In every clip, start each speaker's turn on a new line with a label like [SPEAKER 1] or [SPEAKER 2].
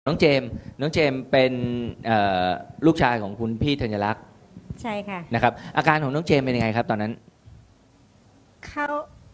[SPEAKER 1] น้องเจมส์เป็นลูกชายของคุณพี่ธัญลักษณ์
[SPEAKER 2] ใช่ค่ะ
[SPEAKER 1] นะครับอาการของน้องเจมส์เป็นยังไงครับตอนนั้น
[SPEAKER 2] เขา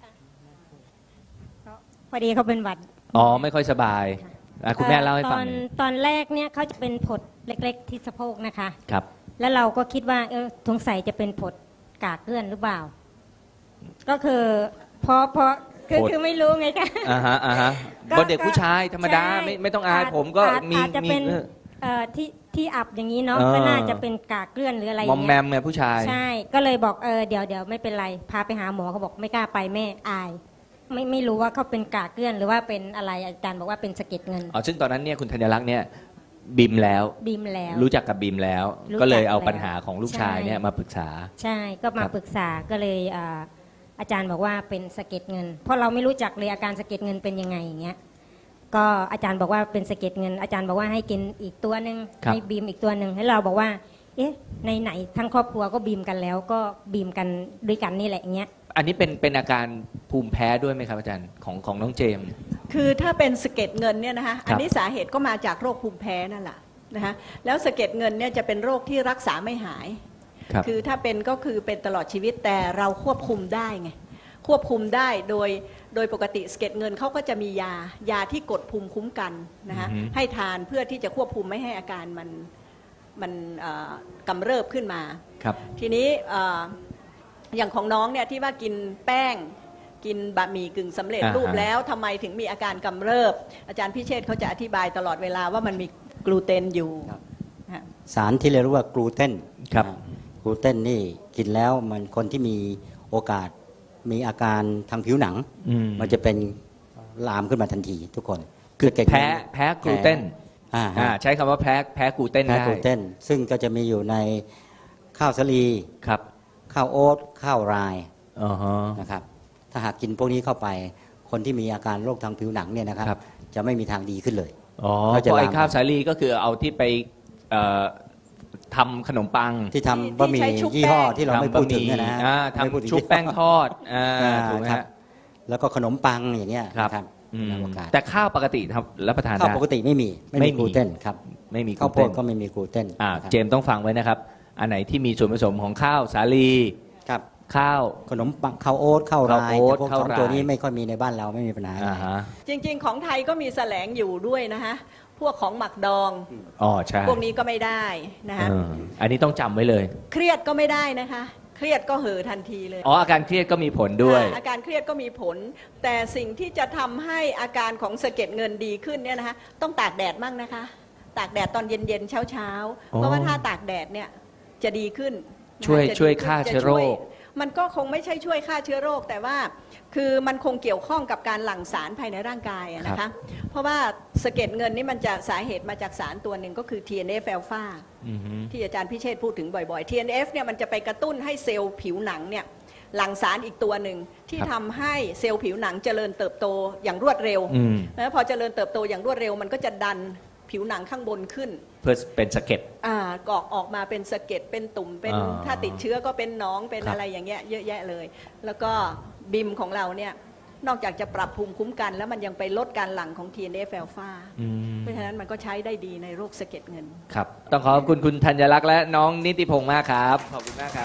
[SPEAKER 2] พอดีเขาเป็นหวัด
[SPEAKER 1] ไม่ค่อยสบายคุณแม่เล่าให้ฟัง
[SPEAKER 2] ตอนแรกเนี่ยเขาจะเป็นผดเล็กๆที่สะโพกนะคะ
[SPEAKER 1] ครับ
[SPEAKER 2] แล้วเราก็คิดว่าสงสัยจะเป็นผดกากเกลื่อนหรือเปล่าก็คือเพราะคือไม่รู้ไงคะ
[SPEAKER 1] ก็เด็กผู้ชายธรรมดาไม่ต้องอายผมก็มี
[SPEAKER 2] จะเป็นที่อับอย่างนี้เนาะก็น่าจะเป็นกากเกลื่อนหรืออะไรอย่าง
[SPEAKER 1] เงี้ยมอมแมมไงผู้ชาย
[SPEAKER 2] ใช่ก็เลยบอกเดี๋ยวไม่เป็นไรพาไปหาหมอเขาบอกไม่กล้าไปแม่อายไม่รู้ว่าเขาเป็นกากเกลื่อนหรือว่าเป็นอะไรอาจารย์บอกว่าเป็นสะเก็ดเงิน
[SPEAKER 1] ซึ่งตอนนั้นเนี่ยคุณธัญลักษณ์เนี่ยบิมแล้วรู้จักกับบิมแล้วก็เลยเอาปัญหาของลูกชายเนี่ยมาปรึกษา
[SPEAKER 2] ใช่ก็มาปรึกษาก็เลยอาจารย์บอกว่าเป็นสะเก็ดเงินเพราะเราไม่รู้จักเลยอาการสะเก็ดเงินเป็นยังไงอย่างเงี้ยก็อาจารย์บอกว่าเป็นสะเก็ดเงินอาจารย์บอกว่าให้กินอีกตัวนึงให้บีมอีกตัวนึงให้เราบอกว่าในไหนทั้งครอบครัวก็บีมกันแล้วก็บีมกันด้วยกันนี่แหละอย่างเงี้ย
[SPEAKER 1] อันนี้เป็นอาการภูมิแพ้ด้วยไหมครับอาจารย์ของน้องเจมส์
[SPEAKER 3] คือถ้าเป็นสะเก็ดเงินเนี่ยนะคะอันนี้สาเหตุก็มาจากโรคภูมิแพ้นั่นแหละนะคะแล้วสะเก็ดเงินเนี่ยจะเป็นโรคที่รักษาไม่หายคือถ้าเป็นก็คือเป็นตลอดชีวิตแต่เราควบคุมได้ไงควบคุมได้โดยปกติสะเก็ดเงินเขาก็จะมียาที่กดภูมิคุ้มกันนะคะให้ทานเพื่อที่จะควบคุมไม่ให้อาการมันกำเริบขึ้นมาทีนี้อย่างของน้องเนี่ยที่ว่ากินแป้งกินบะหมี่กึ่งสำเร็จรูปแล้วทำไมถึงมีอาการกำเริบอาจารย์พิเชษฐ์เขาจะอธิบายตลอดเวลาว่ามันมีกลูเตนอยู่
[SPEAKER 4] สารที่เรียกว่ากลูเตนกลูเตนนี่กินแล้วมันคนที่มีโอกาสมีอาการทางผิวหนังมันจะเป็นลามขึ้นมาทันทีทุกคน
[SPEAKER 1] คือแพ้กลูเตนใช้คำว่าแพ้กลูเตนได้
[SPEAKER 4] กลูเตนซึ่งก็จะมีอยู่ในข้าวสาลีข้าวโอ๊ตข้าวรายนะครับถ้าหากกินพวกนี้เข้าไปคนที่มีอาการโรคทางผิวหนังเนี่ยนะครับจะไม่มีทางดีขึ้นเลย
[SPEAKER 1] เพราะไอ้ข้าวสาลีก็คือเอาที่ไปทำขนมปัง
[SPEAKER 4] ที่ทำบะหมี่ยี่ห้อที่เราไม่พูดถึงนะ
[SPEAKER 1] ทำชุบแป้งทอดถูกไหมครับ
[SPEAKER 4] แล้วก็ขนมปังอย่างเงี้ยครับ
[SPEAKER 1] แต่ข้าวปกติรับประทานได้
[SPEAKER 4] ข้าวปกติไม่มีกลูเตนครับ
[SPEAKER 1] ไม่มี
[SPEAKER 4] ข้าวโพดก็ไม่มีกลูเตน
[SPEAKER 1] เจมต้องฟังไว้นะครับอันไหนที่มีส่วนผสมของข้าวสาลีข้าว
[SPEAKER 4] ขนมปังข้าวโอ๊ตข้าวรายพวกของตัวนี้ไม่ค่อยมีในบ้านเราไม่มีปัญหา
[SPEAKER 3] จริงๆของไทยก็มีแสลงอยู่ด้วยนะคะพวกของหมักดอง
[SPEAKER 1] ใช่
[SPEAKER 3] พวกนี้ก็ไม่ได้นะคะ
[SPEAKER 1] อันนี้ต้องจำไว้เลย
[SPEAKER 3] เครียดก็ไม่ได้นะคะเครียดก็เห่อทันทีเลย
[SPEAKER 1] อาการเครียดก็มีผลด้วย
[SPEAKER 3] อาการเครียดก็มีผลแต่สิ่งที่จะทำให้อาการของสะเก็ดเงินดีขึ้นเนี่ยนะคะต้องตากแดดมั่งนะคะตากแดดตอนเย็นๆเช้าเพราะว่าถ้าตากแดดเนี่ยจะดีขึ้น
[SPEAKER 1] ช่วยฆ่าเชื้อโรค
[SPEAKER 3] มันก็คงไม่ใช่ช่วยฆ่าเชื้อโรคแต่ว่าคือมันคงเกี่ยวข้องกับการหลั่งสารภายในร่างกายนะคะเพราะว่าสะเก็ดเงินนี่มันจะสาเหตุมาจากสารตัวหนึ่งก็คือ TNF อลฟาที่อาจารย์พิเชษฐ์พูดถึงบ่อยๆ TNF เนี่ยมันจะไปกระตุ้นให้เซลล์ผิวหนังเนี่ยหลั่งสารอีกตัวหนึ่งที่ทำให้เซลล์ผิวหนังเจริญเติบโตอย่างรวดเร็วแล้วพอเจริญเติบโตอย่างรวดเร็วมันก็จะดันผิวหนังข้างบนขึ้น
[SPEAKER 1] เพื่อเป็นสะเก็ด
[SPEAKER 3] กอกออกมาเป็นสะเก็ดเป็นตุ่มเป็นถ้าติดเชื้อก็เป็นหนองเป็นอะไรอย่างเงี้ยเยอะแยะเลยแล้วก็บิมของเราเนี่ยนอกจากจะปรับภูมิคุ้มกันแล้วมันยังไปลดการหลั่งของ TNF อลฟาเพราะฉะนั้นมันก็ใช้ได้ดีในโรคสะเก็ดเงิน
[SPEAKER 1] ครับต้องขอบคุณคุณธัญลักษณ์และน้องนิติพงษ์มากครับขอบคุณมากครับ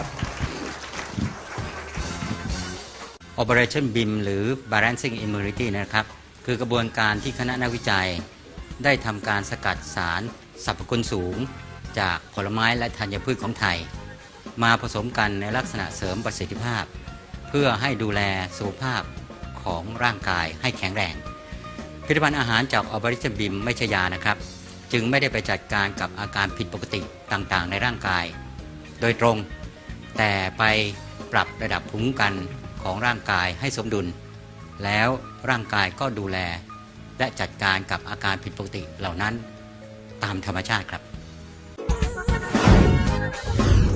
[SPEAKER 4] Operation BIM หรือ Balancing Immunity นะครับคือกระบวนการที่คณะนักวิจัยได้ทำการสกัดสารสรรพคุณสูงจากผลไม้และธัญพืชของไทยมาผสมกันในลักษณะเสริมประสิทธิภาพเพื่อให้ดูแลสุขภาพของร่างกายให้แข็งแรงผลิตภัณฑ์อาหารจากออบริชบิมไม่ใช่ยานะครับจึงไม่ได้ไปจัดการกับอาการผิดปกติต่างๆในร่างกายโดยตรงแต่ไปปรับระดับภูมิคุ้มกันของร่างกายให้สมดุลแล้วร่างกายก็ดูแลและจัดการกับอาการผิดปกติเหล่านั้นตามธรรมชาติครับ